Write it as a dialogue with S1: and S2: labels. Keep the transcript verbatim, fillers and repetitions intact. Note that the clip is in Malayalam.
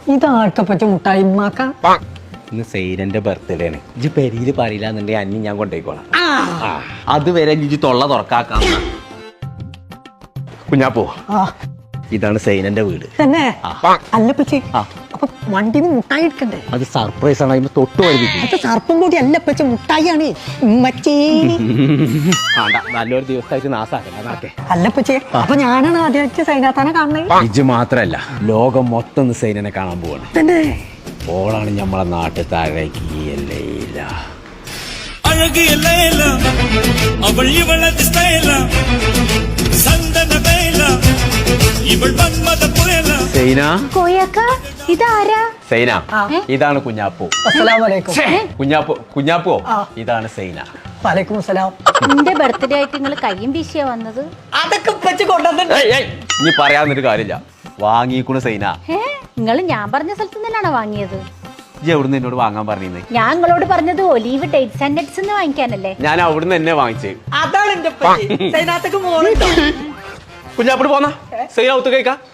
S1: ഇതാർക്കപ്പച്ച മുട്ടായി ഉമ്മാക്ക?
S2: ഇന്ന് സൈനന്റെ ബർത്ത്ഡേ ആണ്. ഇജ്ജ് പെരിയില് പറയില്ല എന്നുണ്ടെങ്കിൽ അന്നി ഞാൻ കൊണ്ടുപോയിക്കോളാം. അതുവരെ ഇജ്ജ് തൊള്ള തുറക്കാക്കാം. കുഞ്ഞാപ്പോ, ഇതാണ് സൈനന്റെ വീട്.
S1: തന്നെ അല്ലപ്പച്ചി, അപ്പൊ വണ്ടിന്ന് മുട്ടായി എടുക്കണ്ടേ?
S2: അത് സർപ്രൈസ് ആണ്. അതിന് തൊട്ട് വൈകിട്ട്
S1: അത് സർപ്പം കൂടി അല്ലപ്പച്ച മുട്ടായിയാണ്. ഉമ്മച്ചി
S2: നല്ലൊരു ദിവസമായിട്ട് നാസാക്കേ.
S1: അല്ലപ്പച്ചി, അപ്പൊ ഞാനാണ് ആദ്യമായിട്ട് സൈനാത്താനെ കാണുന്നത്.
S2: ഇജ്ജ് മാത്രല്ല, ലോകം മൊത്തം സൈനനെ കാണാൻ പോവാണ്.
S1: തന്നെ
S2: ഓളാണ് നമ്മളെ നാട്ടിൽ താഴേക്ക്
S3: അവൾ ഇവളത് സ്റ്റൈല സന്തന വേല ഇവൾ മന്മത പുയല.
S2: സൈന,
S4: കോയക്ക, ഇതാരാ?
S2: സൈന, ഇതാണ് കുഞ്ഞാപ്പു.
S1: അസ്സലാമു അലൈക്കും.
S2: കുഞ്ഞാപ്പു കുഞ്ഞാപ്പു ഇതാണ് സൈന.
S1: വലൈക്കും അസ്സലാം.
S4: എന്റെ ബർത്ത്ഡേ ആയിട്ട് നിങ്ങൾ കയ്യും വീശിയാ വന്നത്?
S1: അതൊക്കെ ഉപ്പച്ചി കൊണ്ടുവന്നിട്ട്
S2: ഇനി പറയാന്നൊരു കാര്യമില്ല. വാങ്ങിക്കൂണ് സൈന.
S4: ഏ നിങ്ങൾ ഞാൻ പറഞ്ഞ സ്ഥലത്ത് നിന്നാണോ വാങ്ങിയത്?
S2: ഇജ്ജ് എവിടുന്ന് എന്നോട് വാങ്ങാൻ പറഞ്ഞേ?
S4: ഞാൻ നിങ്ങളോട് പറഞ്ഞത് ഒലീവ് ഡേറ്റ്സ് ആൻഡ് നട്ട്സ് എന്ന് വാങ്ങിക്കാനല്ലേ?
S2: ഞാൻ അവിടുന്ന് തന്നെ വാങ്ങിച്ചേ.
S1: അതാണ് എന്റെ ഉപ്പച്ചി. സൈനാത്തക്ക് മോളുണ്ടോ?
S2: കുഞ്ഞാപ്പിട്ട് പോന്നാ സൈന ഒത്തു കഴിക്കാം.